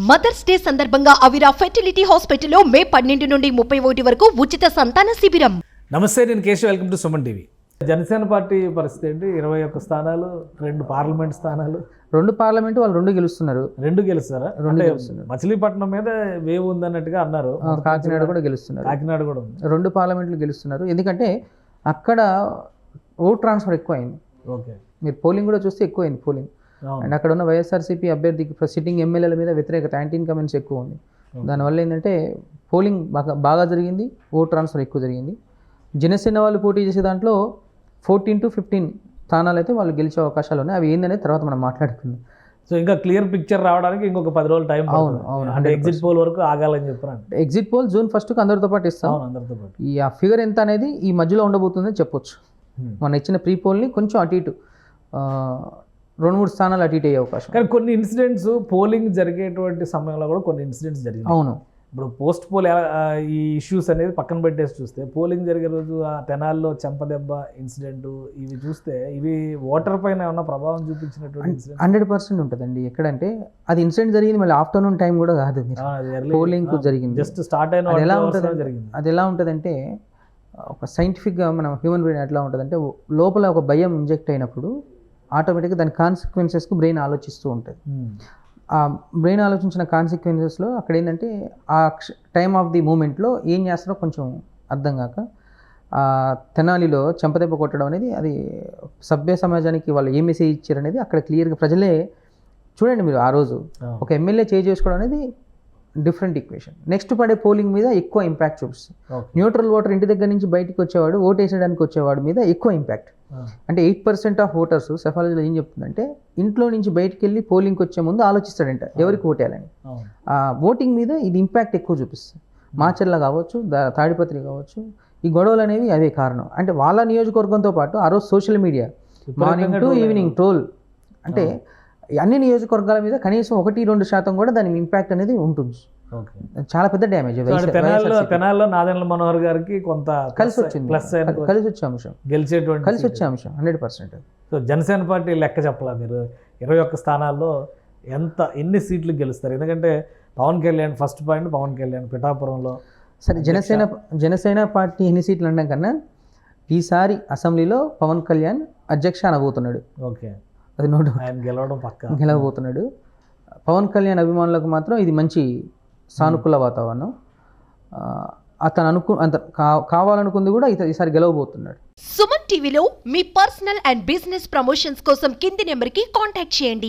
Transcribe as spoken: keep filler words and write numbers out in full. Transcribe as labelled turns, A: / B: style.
A: Mothers day సందర్భంగా అవిరా fertility హాస్పిటల్లో మే పన్నెండు నుండి ముప్పై ఒకటి వరకు ఉచిత సంతాన శిబిరం.
B: నమస్తే, నేను Keshav. Welcome to Suman TV. Janasena party పరిస్థితి ఏంటి? ఇరవై ఒక్క స్థానాలు, రెండు పార్లమెంట్ స్థానాలు.
C: రెండు పార్లమెంటు వాళ్ళు రెండు గెలుస్తున్నారు.
B: రెండు గెలుస్తారా?
C: రెండు గెలుస్తున్నారు.
B: మచిలీపట్నం మీద వేవ్ ఉందన్నట్టుగా అన్నారు.
C: కాకినాడ కూడా గెలుస్తున్నారు.
B: కాకినాడ కూడా ఉంది.
C: రెండు పార్లమెంట్లు గెలుస్తున్నారు. ఎందుకంటే అక్కడ ఓట్ ట్రాన్స్ఫర్ ఎక్కువ అయింది.
B: ఓకే,
C: మీరు పోలింగ్ కూడా చూస్తే ఎక్కువ అయింది పోలింగ్. అండ్ అక్కడ ఉన్న వైఎస్ఆర్సీపీ అభ్యర్థికి సిట్టింగ్ ఎమ్మెల్యేల మీద వ్యతిరేకత, యాంటీ ఇన్కమెంట్స్ ఎక్కువ ఉంది. దానివల్ల ఏంటంటే పోలింగ్ బాగా బాగా జరిగింది, ఓట్ ట్రాన్స్ఫర్ ఎక్కువ జరిగింది. జనసేన వాళ్ళు పోటీ చేసే దాంట్లో ఫోర్టీన్ టు ఫిఫ్టీన్ స్థానాలు అయితే వాళ్ళు గెలిచే అవకాశాలు ఉన్నాయి. అవి ఏందనేది తర్వాత మనం మాట్లాడుకుందాం.
B: సో ఇంకా క్లియర్ పిక్చర్ రావడానికి ఇంకొక పది రోజులు టైం.
C: అవును అవును
B: అంటే ఎగ్జిట్ పోల్ వరకు ఆగాలని చెప్పారు.
C: ఎగ్జిట్ పోల్ జూన్ ఫస్ట్కి అందరితో పాటు ఇస్తాం.
B: అందరితో పాటు
C: ఈ ఆ ఫిగర్ ఎంత అనేది ఈ మధ్యలో ఉండబోతుందని చెప్పొచ్చు. మన ఇచ్చిన ప్రీ పోల్ని కొంచెం అటు ఇటు రెండు మూడు స్థానాలు అటు ఇటు అయ్యే అవకాశం.
B: కానీ కొన్ని ఇన్సిడెంట్స్ పోలింగ్ జరిగేటువంటి సమయంలో కూడా కొన్ని ఇన్సిడెంట్స్ జరిగాయి.
C: అవును,
B: ఇప్పుడు పోస్ట్ పోల్ ఈ ఇష్యూస్ అనేది పక్కన పెట్టేసి చూస్తే, పోలింగ్ జరిగే రోజు ఆ తెనాల్లో చెంపదెబ్బ ఇన్సిడెంట్ ఇవి చూస్తే ఇవి ఓటర్ పైన ఏమన్నా ప్రభావం చూపించినటువంటి ఇన్సిడెంట్
C: హండ్రెడ్ పర్సెంట్ ఉంటుందండి. ఎక్కడంటే అది ఇన్సిడెంట్ జరిగింది మళ్ళీ ఆఫ్టర్నూన్ టైం కూడా కాదు, పోలింగ్ జరిగింది,
B: జస్ట్ స్టార్ట్ అయిన
C: అది ఎలా ఉంటుంది
B: జరిగింది.
C: అది ఎలా ఉంటుందంటే ఒక సైంటిఫిక్గా మనం హ్యూమన్ బ్రెయిన్ ఎట్లా ఉంటుందంటే, లోపల ఒక భయం ఇంజెక్ట్ అయినప్పుడు ఆటోమేటిక్గా దాని కాన్సిక్వెన్సెస్కు బ్రెయిన్ ఆలోచిస్తూ ఉంటుంది. ఆ బ్రెయిన్ ఆలోచించిన కాన్సిక్వెన్సెస్లో అక్కడ ఏంటంటే ఆ టైమ్ ఆఫ్ ది మూమెంట్లో ఏం చేస్తారో కొంచెం అర్థం కాక ఆ తెనాలిలో చెంపదెబ్బ కొట్టడం అనేది, అది సభ్య సమాజానికి వాళ్ళు ఏ మెసేజ్ ఇచ్చారు అనేది అక్కడ క్లియర్గా ప్రజలే చూడండి. మీరు ఆ రోజు ఒక ఎమ్మెల్యే చేంజ్ చేసుకోవడం అనేది డిఫరెంట్ ఈక్వేషన్. నెక్స్ట్ పడే పోలింగ్ మీద ఎక్కువ ఇంపాక్ట్ చూపిస్తుంది. న్యూట్రల్ ఓటర్ ఇంటి దగ్గర నుంచి బయటకు వచ్చేవాడు, ఓటు వేసేయడానికి వచ్చేవాడు మీద ఎక్కువ ఇంపాక్ట్. అంటే ఎయిట్ పర్సెంట్ ఆఫ్ ఓటర్స్ సెఫాలజీలో ఏం చెప్తుందంటే, ఇంట్లో నుంచి బయటికి వెళ్ళి పోలింగ్కి వచ్చే ముందు ఆలోచిస్తాడంట ఎవరికి ఓటేయాలని. ఆ ఓటింగ్ మీద ఇది ఇంపాక్ట్ ఎక్కువ చూపిస్తుంది. మాచర్ల కావచ్చు, తాడిపత్రి కావచ్చు, ఈ గొడవలు అనేవి అదే కారణం. అంటే వాళ్ళ నియోజకవర్గంతో పాటు ఆ రోజు social media morning to evening troll, అంటే అన్ని నియోజకవర్గాల మీద కనీసం ఒకటి రెండు శాతం కూడా దాని ఇంపాక్ట్ అనేది ఉంటుంది. చాలా పెద్ద డ్యామేజ్.
B: తెనాల్లో నాదెండ్ల మనోహర్ గారికి కొంత
C: కలిసి వచ్చింది, ప్లస్ కలిసి వచ్చే అంశం,
B: గెలిచేటువంటి
C: కలిసి వచ్చే అంశం hundred percent.
B: So Janasena party లెక్క చెప్పాలా మీరు? ఇరవై ఒక్క స్థానాల్లో ఎంత ఎన్ని సీట్లు గెలుస్తారు? ఎందుకంటే పవన్ కళ్యాణ్ ఫస్ట్ పాయింట్, పవన్ కళ్యాణ్ పిఠాపురంలో.
C: సరే, జనసేన జనసేన పార్టీ ఎన్ని సీట్లు అనడం కన్నా ఈసారి అసెంబ్లీలో పవన్ కళ్యాణ్ అధ్యక్ష అనబోతున్నాడు.
B: ఓకే,
C: అది నోట్,
B: ఆయన గెలవడం పక్క
C: గెలవబోతున్నాడు. పవన్ కళ్యాణ్ అభిమానులకు మాత్రం ఇది మంచి సానుకూల వాతావరణం. అతను అనుకు అంత కావాలనుకుంది కూడా ఈసారి గెలవబోతున్నాడు.
A: సుమన్ టీవీలో మీ పర్సనల్ అండ్ బిజినెస్ ప్రమోషన్స్ కోసం కింది నెంబర్కి కాంటాక్ట్ చేయండి.